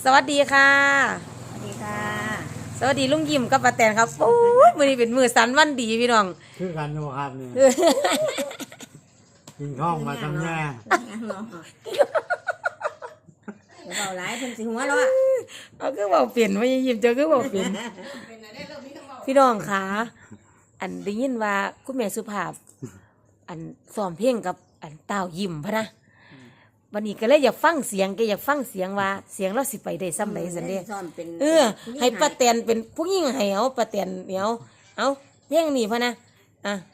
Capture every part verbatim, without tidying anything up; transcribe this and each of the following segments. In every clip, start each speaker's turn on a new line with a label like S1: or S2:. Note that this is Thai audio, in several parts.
S1: สวัสดีค่ะ
S2: สวัสดีค่ะ
S1: สวัสดีลุงยิ้มกับป้าแตนครับโอ้ยมื้อนี้เป็นมื้อสันวันดีพี่น้อง
S3: คือกันอยู่ครับนี่กินข้องมาทำแย่
S2: เดี๋ยวเบาหลายเพิ่นสิหัวเราะ
S1: เอาคือเว้าเปลี่ยนว่ายิ้มเจ้าคือเว้าเปลี่ยนพี่น้องค่ะอันได้ยินว่าคุณแม่สุภาพอันซ้อมเพลงกับอันต้าวยิ้มพะนะวันนี้ก็เลยอยากฟังเสียงแกอยากฟังเสียงว่าเสียงเราสิไปได้ซ้ำใดซั่นเด้เออให้ป้าแตนเป็นผู้หญิงให้เอาป้าแตนเดี๋ยวเอาเพลงนี้พะนะอ่ะ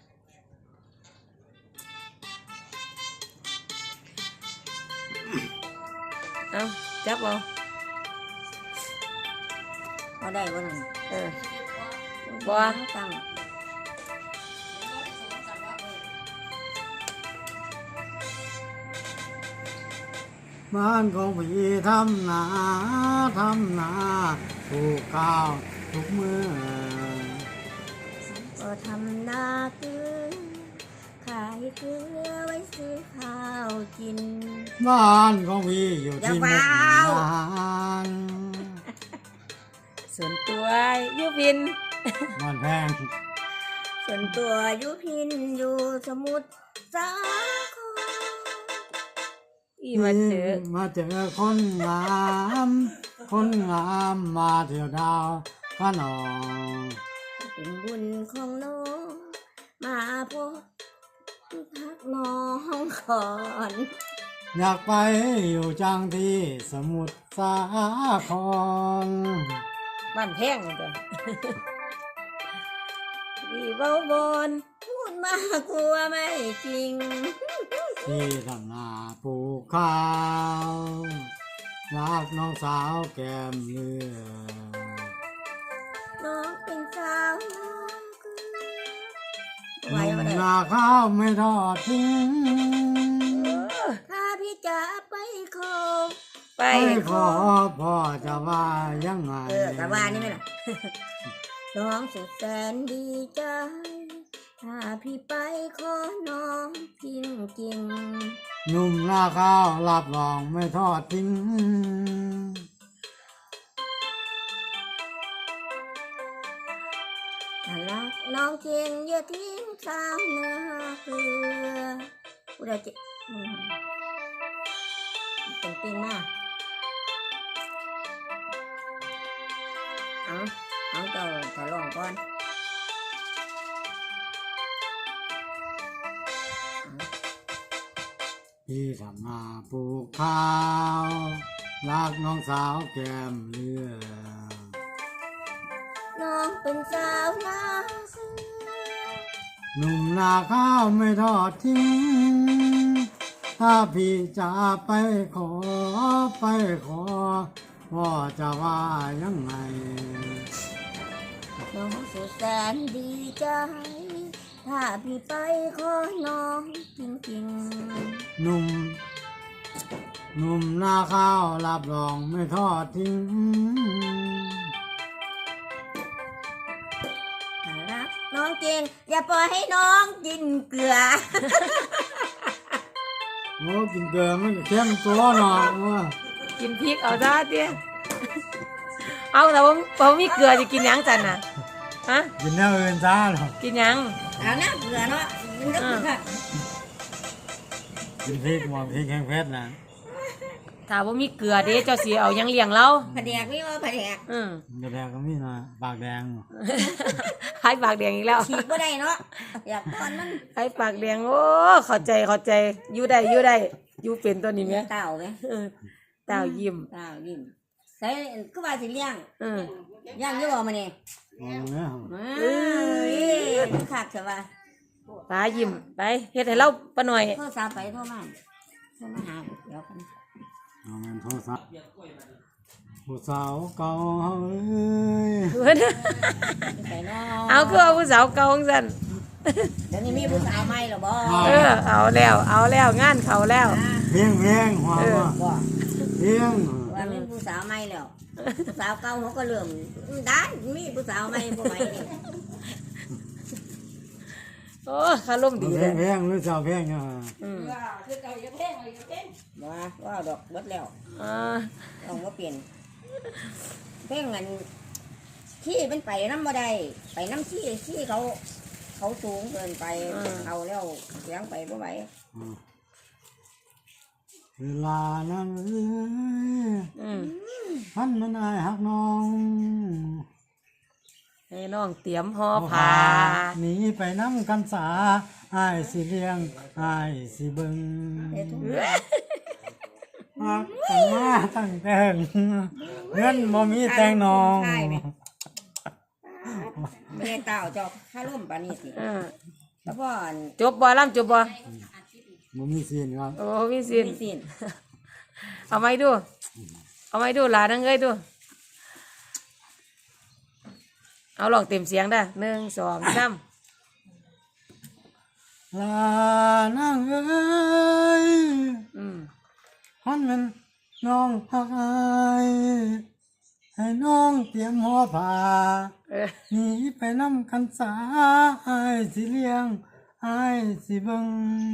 S1: เอาจับเอา
S2: เอาได้บ่นั่น
S1: เออบ่
S2: ตั้ง
S3: บ้านของพี่ทำนาทำนาปลูกข้าวทุกมือ
S2: ก็ทำนาเกลือขายเกลือไว้ซื้อข้าวกิน
S3: บ้านของพี่อยู่ที่มุกดาหาร
S1: ส่วนตัวยุพิน
S3: บ้านแพง
S2: ส่วนตัวยุพินอยู่สมุทรสาคร
S1: อีมาเจอ
S3: มาเจอคนงามคนงามมาเที่ยวดาวพระนอง
S2: เป็นบุญของน้องมาพบพักน้องก่อน
S3: อยากไปอยู่จังที่สมุทรสาคร
S1: บ้านแพงจ้ะดีเบาบน
S2: พูดมากกลัวไม่จริง
S3: ที่ทำนาปลูกข้าวรักน้องสาวแก้มเลือ
S2: น้องเป็นสาว
S3: หนุ่มนาข้าวไม่ทอดทิ้ง
S2: ถ้าพี่จะไปขอ
S1: ไป
S3: ขอพ่อจะว่ายังไง
S2: เออแต่ว่านี่ไม่หรอน้องสุดแสนดีใจถ้าพี่ไปขอน้องพิงจริง
S3: หนุ่มนาข้าวรับรองไม่ทอดทิ้ง
S2: ถ้ารักน้องจริงอย่าทิ้งสาวเนื้อเกลือผู้ใดจะเป็นจริงมากเอาเอาเจ้าจะลองก่อน
S3: พี่ทำนาปลูกข้าวรักน้องสาวแก้มเลือ
S2: น้องเป็นสาวนา
S3: หนุ่มนาข้าวไม่ทอดทิ้งถ้าพี่จะไปขอไปขอพ่อจะว่ายังไง
S2: น้องสุดแสนดีใจถ้าพี่ไปขอน้องจริง
S3: ๆหนุ่มหนุ่มนาข้าวรับรองไม่ทอดทิ้ง
S2: ถ้ารักน้องจริงอย่าปล่อยให้น้องกินเกลือ
S3: โอ้กินเกลือมันเข้มตัวหน่อยว่า
S1: กินพริกเอาได้เตี้ยเอาแต่ว่าผมมีเกลือจะกินยังจันน่ะฮะ
S3: กินแนวอื่นจ้าหรอ
S1: กินยัง
S2: เอาหน้าเกลือเนาะกินเกลือ
S3: กินพริกมองพริกแห้งเพชรนะ
S1: ถ้าว่ามีเกลือเด้เจ้าสีเอายังเลี้ยงเรา
S2: ผัดแดกไม่ว่าผัดแดก
S1: อืม
S3: ผัดแดกก็มีนะปากแดง
S1: ให้ปากแดงอีกแล้ว
S2: ฉีกก็ได้เนาะอยากตอนมัน
S1: ให้ปากแดงโอ้เข้าใจเข้าใจอยู่ได้อยู่ได้อยู่เป็นตัวนี้ไหม
S2: เต่าไหม
S1: เต่ายิ้ม
S2: เต่ายิ้มใส่ก็ว่าสิเลี้ยง
S1: อืม
S2: ย่างเยอะมาเนี่ยเออขาดใช่ป่ะ
S1: ป้ายิ้มไปเฮ็ดให้เราปะหน่อย
S2: โทรศัพท์ไปโทรมาโทรมาหาเดี๋ยวกัน
S3: เอาเงินโทรศัพท์ผู้สาวเก่าเ
S1: อ้ยเอาคือเอาผู้สาวเก่าของฉัน
S2: เดี๋ยวนี้มีผู้สาวใหม่หรอบ่
S1: เออเอาแล้วเอาแล้วงานเขาแล้ว
S3: เพียงเพียงหัวเพียง
S2: ว่ามีผู้สาวใหม่แล้วผู้สาวเก่าเขาก็เริ่มด้านมีผู้สาวใหม่ผู้ใหม่นี่
S1: โอ้คาร่มดีเลย
S3: แพงหรือสาวแพงอ่ะ
S2: อืมว่าคือเก่าอย่าแพงอย่าแพงว่าว่าดอกเบิดแล้ว
S1: อ่า
S2: ต้องว่าเปลี่ยนเพ่งเงินขี้เป็นไปน้ำบ่ได้ไปน้ำขี้ขี้เขา เขาสูงเกินไปเอาแล้วเสียงไปบ่ไหว
S3: อืมเวลานั้นเอ้ย
S1: อืม
S3: พันมันอายหักน้อง
S1: ให้น้องเตรียมห่อผ้า
S3: หนีไปน้ำกันสาอายสิเลี้ยงอายสิเบิ่ง
S2: เอ้ทุก
S3: ฮักกันมาตั้งแต่งเงินบ่มีแต่งน้อง
S2: ไม่ได้เต่าจอกข้าร่มปานี่สิ
S1: อ่า
S2: แล้วพ่อ
S1: จบบ่ล่ำจบบ่
S3: บ่มีซีนครับ
S1: โอ้มีสิน
S2: มีสิน
S1: เอาไม้ดู เอาไม้ดูหลานนังเอ้ยดู เอาลองเต็มเสียงได้หนึ่งสองสาม
S3: ลานั่งเอ้ย
S1: อืม
S3: ฮันมันน้องฮักอายให้น้องเตรียมหัวผ้า
S1: เออ
S3: หนีไปน้ำกันสาอายสิเลี้ยงอายสิเบิ่ง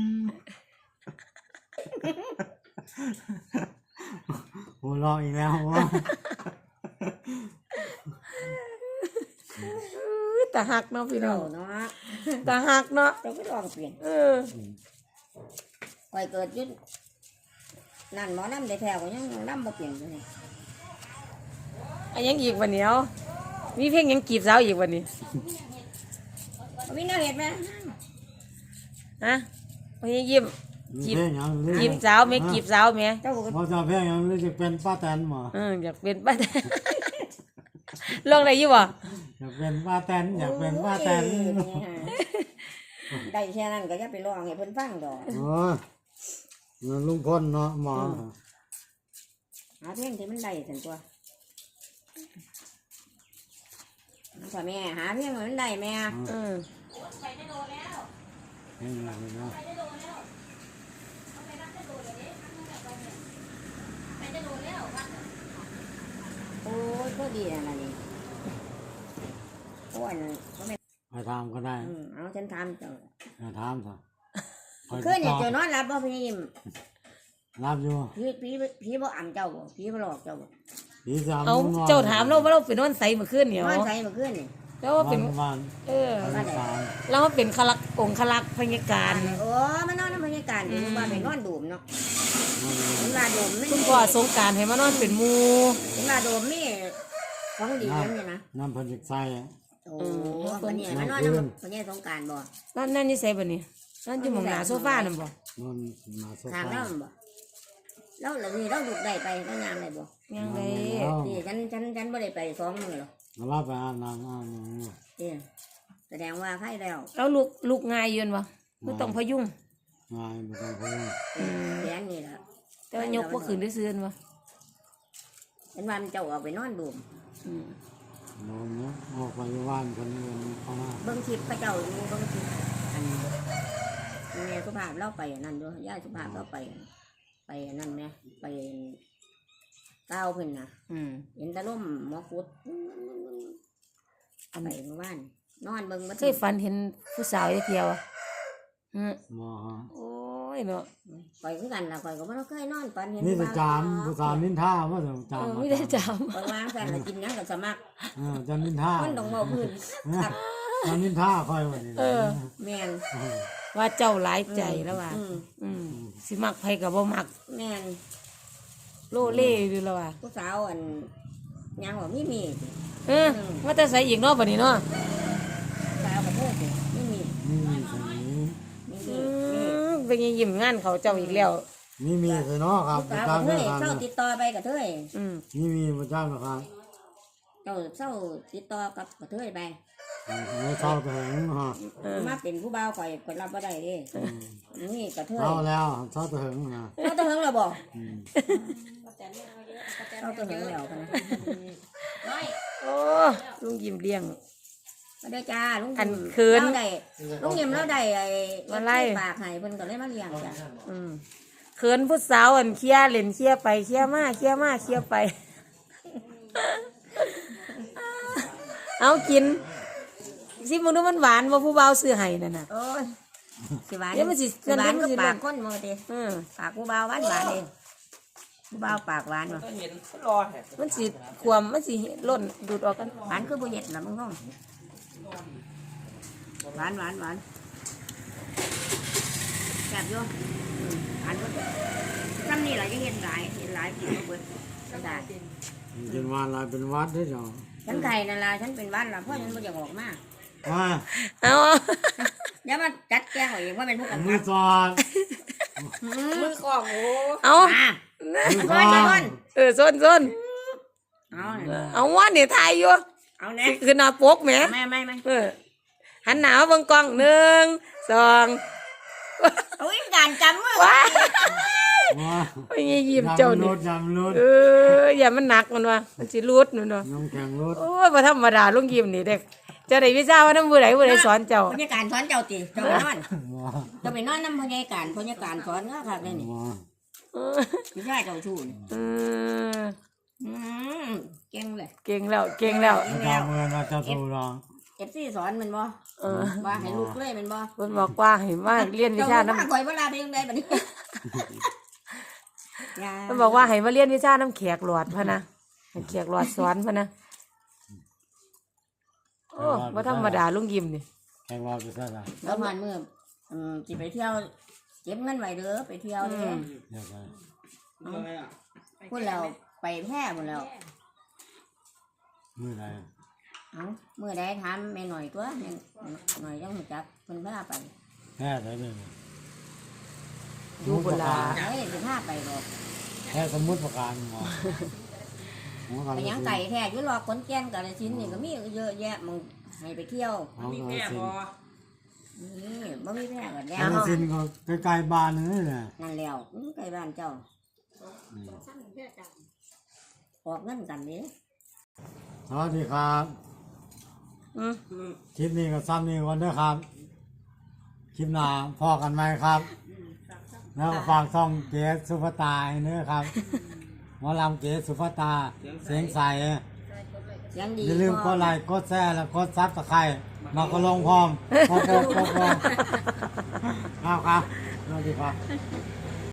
S3: หัวเราะอีกแล้ววะ
S1: อื้อตาหักเนาะพี่น้อ
S2: เต่าง เนาะ
S1: ตาหักเนาะ
S2: เราก็ลองเปลี่ยน
S1: เออ
S2: คอยเกิดอยุ่นนั่นหมอน้ำได้แถวก็ยังน้ำมาเปลี่ยนเลย
S1: อันยังอีกวันเนี้ยมีเพลงยังกีบสาวอีกวันนี้
S2: มีน่าเห็นไหม
S1: ฮะวันนี้ยิ้ม
S3: มี
S1: จีบ
S3: เพลงหยังหรือ
S1: จีบสาวไหมกีบสาวไหม
S2: เจ้าก็
S3: บ่จะเพลงหยังหรือจะเป็นป้าแตนหมอ
S1: เอออยากเป็นป้าแตน ลองได้อยี่บ่
S3: อยากเป็นป้าแตนอยากเป็นป้าแตน
S2: โอ้ยนี่ฮะได้แค่นั้นก็จะไปลองให้เพิ่นฟังดอก
S3: โอ้ยเงินลุงพลเนาะหมอ
S2: หาเพลงที่มันได้สันตัวพ่อแม่หาเพลงให้มันได้แม่
S1: เออ
S3: เพลงอะไรเนาะ
S2: โอ้ยก็ดีนะนี่โอ้ยก็ไม่
S3: ไปถามก็ได้
S2: อืมเอาฉันทำเจ้า
S3: ไปถามซะคอย
S2: คืน
S3: ติ
S2: เนี่ย
S3: ดต่
S2: เจ้านอนรับบ่พี่ยิ้ม
S3: รับอยู่
S2: พี่พี่พี่บ่อ่ำเจ้าบ่พี่บ่หลอกเจ้าบ่
S3: พี่สาม
S1: เอา
S3: ลุงน้อย
S1: เจ้าถามเราว่าเราเป็นวันใสเมื่อคืนเนี่ย
S2: นอนใส่เมื่อคืนนี่
S1: แล้วว่าเป็น
S3: วัน
S1: เออ
S3: วันสาม
S1: แล้วว่าเป็นคลักองค์คลักพยาการ
S2: โอ้มันนอนในบรรยากาศอยู่ว่าไปนอนดูมเนาะเห็นว่าดูมนี่
S1: คุณพ่อสงกรารให้มานอนเป็นหมู
S2: เห็นว่าดูมนี่ของดีนั่นนี่นะ
S3: น้ำเพันจิกใส่
S2: โอ้วันนี้มันนอนในวันนี้สงการบ่
S1: นั่นนั่นนี่ใส่บ่นี่นั่นอยู่หมองหน้าโซฟานั่นบ่
S3: นอนมาโซ
S2: ทาง
S3: ฟา
S2: แล้วบ่แล้วเหล่านี้เราดูได้ไปแล้วยามได้บ่
S1: ยังไง
S2: นี่ฉันฉันฉันบ่ได้ไปสองมื้อหรอก
S3: มารับไปอาบน้ำอาบน้ำ
S2: นี่แสดงว่าใครแล้ว
S1: แล้วลูกลูกง่ายอยืนบ่ไม่ต้องพยุง
S3: ง่ายไม่ต้องพูด
S2: แขนนี่ล่ะ
S1: แต่ว่ายกบ่ขึ้นได้ซื่อบ่
S2: เห็นว่ามันเจ้าออกไปนอนดูม
S1: อืม
S3: นอนเนาะออกไปว่านคนอื่นเข้ามา
S2: เบิ่งคลิปพระเจ้าอยู่เบิ่งคลิปอันแม่สุภาพเล่าไปอันนั่นด้วยย่าสุภาพเล่าไป ไปอันนั่นแม่ไปก้าวเพิ่นน่ะ
S1: อืม
S2: เห็นแตะล่มหมอฟุดอันไหนเมื่อวานนอนเบิ่งบ่
S1: เคยฝันเห็นผู้สาวจักเที่ยวอ่ะอืม
S3: หมอฮะ
S1: โอ้ยเนาะ
S2: ข่อยคือกันล่ะข่อยก็บ่เคยนอนปานเห็น
S3: นี่จะจามผู้สาวนินท่าว่าจะจา
S1: เอ
S3: ม
S1: อไม่ได้จ
S2: ข่อยวางแฟนน่ะกินหยังก็สมัคร
S3: เออจะนินท่า
S2: คนต้องเว้าพื้นครับ
S3: จะนินท่าคอยวันนี้
S1: ำเออ
S2: แม่น
S1: ว่าเจ้าหลายใจแล้วว่า
S2: อืม
S1: อืมสิมักไผก็บ่มัก
S2: แม่น
S1: โลเล่อยู่แล้วว่า
S2: ผู้สาวอันยังว่ามีมี
S1: เออว่าแต่ใส่อีกเนาะบัดนี้เนาะ
S2: ผู้สาวก็เพิ่นสิมีมี
S3: นี่มีสนี้
S2: มี
S1: อื
S2: มีมี
S1: มเป็นยังยิ้มงานเขาเจ้าอีกแล้ว
S3: นี่มีสเนาะครับ
S2: ผู้
S3: ประ
S2: สาว
S3: จำ
S2: ก็
S3: เรื่
S2: เฮ้
S3: อง
S2: ย
S3: การ
S2: เศร้าติดต่อไปกับเธย
S1: อืม
S3: นี่มีประจำนะครับ
S2: เจ้าเศร้าติดต่อกับกับเธยไป
S3: ไม่เศร้าแต่แหงฮะ
S1: เออ
S2: มาเป็นผู้บ่าวข่อยข่อยรับบ่ได้เด้นี่กับเธย
S3: เศร้าแล้วเศร้าแต่แหงนะ
S2: เราต้องเหิงแล้วบ่
S3: อืม
S2: เราต้องเหิงแล้วกันนะ
S1: โอ้ลุงยิ้มเลี้ยง
S2: มาได้จ้าลุง
S1: อันเขิน
S2: เราได้ลุงยิ้มเราได้ไอ้
S1: มาไล่
S2: ปากให้เพิ่นก็เลยมาเลี้ยงจ้ะ
S1: อืมเขินผู้สาวอันเคลียร์เล่นเคลียร์ไปเคลียร์มาเคลียร์มาเคลียร์ไป เอากินสิมึงดูมันหวานว่าผู้เบาวซื้อให้นั่นน่ะ
S2: โอ้ยสิหวาน
S1: เดี๋ยวมันสิ
S2: สิหวาน
S1: เดี๋ยวมัน
S2: ก็
S1: สิ
S2: ปากคนหมดเด้
S1: อืม
S2: ปากผู้บ่าวหวานหวานเองผู้บ่าวปากหวานบ่
S4: ก็เห็นรอแหละ
S1: มันสิความมันสิล่นดูดออกกัน
S2: หวานคือบ่เฮ็ดล่ะมึงน้องหวานหวานหวานแซ่บอยู่อืมหวานก็ซ้ำนี่ล่ะจะเฮ็ดหลายเฮ็ดหลายกินบ่เบิดก็ได้
S3: เป็นวันอะไรเป็นวัดได้จ้ะ
S2: ฉันไข่นั่นล่ะฉันเป็นหวัดล่ะเพราะฉันบ่อยากออกมา
S3: ว่า
S1: เอา
S2: อย่ามาจัดแกงเอาเองว่าเป็นผู้กำ
S3: มื
S2: กั
S3: อบ สอด
S4: มือของโอ้
S1: เอา
S2: อ่ะ
S3: มือส
S2: ก้
S3: อ
S2: อน
S3: ด
S2: ก้อน
S1: เออส้นส้น
S2: เอาเนี่ย
S1: เอาว่าเนี่ยทายอยู่
S2: เอาเนี่ย
S1: คือหน้าปกแหม
S2: ไม่ไม่ไม่
S1: เออหันหนาวเบิ่งกล้องหนึ่งสอง
S2: เอาอีกการจำมือ
S1: ว้า
S3: ว่า
S1: โอ้ยยิ้มเจ้า
S3: จำร
S1: นี่
S3: ถจำรถ
S1: เอออย่ามันหนักมันว่ะมันสิรูดมันว่ะ
S3: น้ำแข็งรถ
S1: โอ้ยบ่ธรรมดาลุงยิ้มนี่เด็กเจ้าได้วิชาว่าน้ำมือไหนมือไหนสอนเจ้า
S2: พยาการสอนเจ้าตีเจ้าไปนอน
S3: ว่า
S2: เจ้าไปนอนน้ำพยาการพยาการสอนก็ครับนี่
S3: ว่า
S1: เออ
S2: ไม่ใช่เจ้าชู้นี่
S1: เออ
S2: อืมเก่งเลย
S1: เก่งแล้วเก่งแล้ว
S3: เจ้าเมืองเราจะสู้เรา
S2: เอฟซีสอนมันบ่
S1: เออ
S2: ว่าให้ลูกเลยมันบ่
S1: เพิ่นบอกว่าให้มาเรียนวิชาน้ำ
S2: เจ้าคอยเวลาเพียงใดบัดนี้
S1: เพิ่นบอกว่าให้มาเรียนวิชาน้ำแขกหลอดพะนะให้แขกหลอดสอนพะนะโอ้บ่ธรรมดาลุงยิ้มนี่
S3: แข่งว่าไปซะละ
S2: แล้วผ่านมืออืมสิไปเที่ยวเก็บเงินไว้เด้อไปเที่ยวเด้อ
S3: เดี๋ยวไป
S4: อะไรอ่ะ
S2: พูดแล้วไปแพร่หมดแล้ว
S3: มือไหน
S2: เอ้ามื่อใดถามแม่หน่อยตัวแม่หน่อยจังหูจักเพิ่นพาไป
S3: แค่ไหนเลย
S1: อยู่พุ่นล่ะ
S2: เอ้ยสิพาไปดอก
S3: แค่สมมุติประการหมอ
S2: ไปหยังไก่แท้อยู่รอขอนแก่นกาฬสินธุ์นี่ก็มีเยอะแยะมึงให้ไปเที่ยว
S3: เอา
S4: มี
S3: เอา
S4: แม่
S3: สิ
S4: บอ
S2: นี่บ่มีแพร่ก็แล้
S3: เอา
S2: ว
S3: สินก็ใกล้ๆบ้านนี่แหละ
S2: นั่นแล้วอือใกล้บ้านเจ้าออกเงินกันนี่
S3: สวัสดีครับ
S1: อืม
S3: คลิปนี้ก็ซ้ำนี่วันด้วยครับ คลิปหน้าพอกันไหมครับ แล้วก็ฝากช่องเกสสุภาตาให้เนื้อครับหมอลำเกสสุภาตา เสียงใส
S2: เสียงดี
S3: อย่าลืมกดไลค์กดแชร์และกดซับสไครต์มาก็ลงพร้อมพร้อมพร้อมพร้อมครับครับสวัสดีครับ